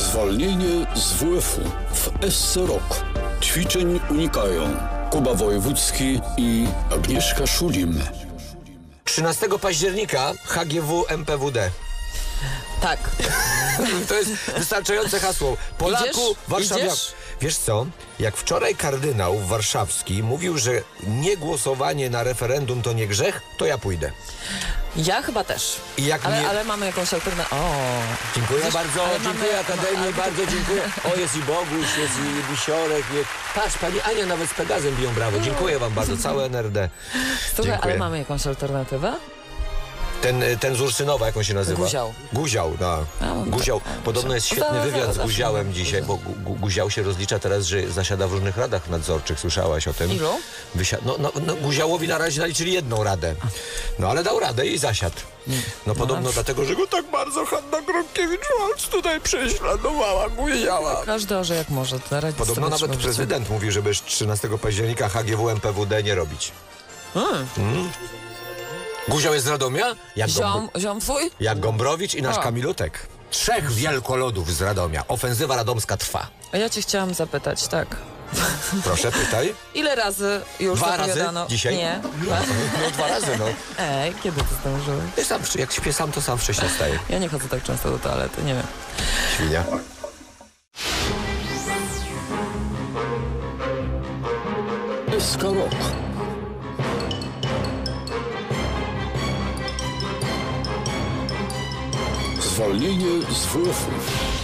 Zwolnienie z WF-u w SC Rok. Ćwiczeń unikają Kuba Wojewódzki i Agnieszka Szulim. 13 października HGW MPWD. Tak. To jest wystarczające hasło. Polaku, Warszawiak. Idziesz? Wiesz co? Jak wczoraj kardynał warszawski mówił, że nie głosowanie na referendum to nie grzech, to ja pójdę. Ja chyba też. I jak Ale mamy jakąś alternatywę. Dziękuję bardzo, ale dziękuję mamy- Akademii, bardzo dziękuję. O, jest i Boguś, jest i Wisiorek. Patrz, pani Ania nawet z Pegazem biją brawo. Dziękuję wam bardzo, całe NRD. Słuchaj, Dziękuję. ale mamy jakąś alternatywę? Ten z Urszynowa, jak on się nazywa? Guział. Guział, no. Guział. Podobno jest świetny wywiad z Guziałem dzisiaj, bo Guział się rozlicza teraz, że zasiada w różnych radach nadzorczych. Słyszałaś o tym? Ilu? No, Guziałowi na razie naliczyli jedną radę. No ale dał radę i zasiadł. No podobno dlatego, że go tak bardzo Hanna Gronkiewicz-Waltz tutaj prześladowała Guziała. Każdy orze jak może. Podobno nawet prezydent mówił, żeby 13 października HGW MPWD nie robić. Guział jest z Radomia? Ziom twój? Jak Gombrowicz i nasz O. Kamilutek. 3 wielkolodów z Radomia. Ofensywa radomska trwa. A ja cię chciałam zapytać, tak. Proszę, pytaj. Ile razy już 2 razy zapowiadano? dzisiaj? Nie. No 2 razy, no. Ej, kiedy to zdążyłeś? Ja sam, jak śpię sam, to sam wcześniej wstaję. Ja nie chodzę tak często do toalety, nie wiem. Świnia. SK Rok. Zwolnienie z WF-u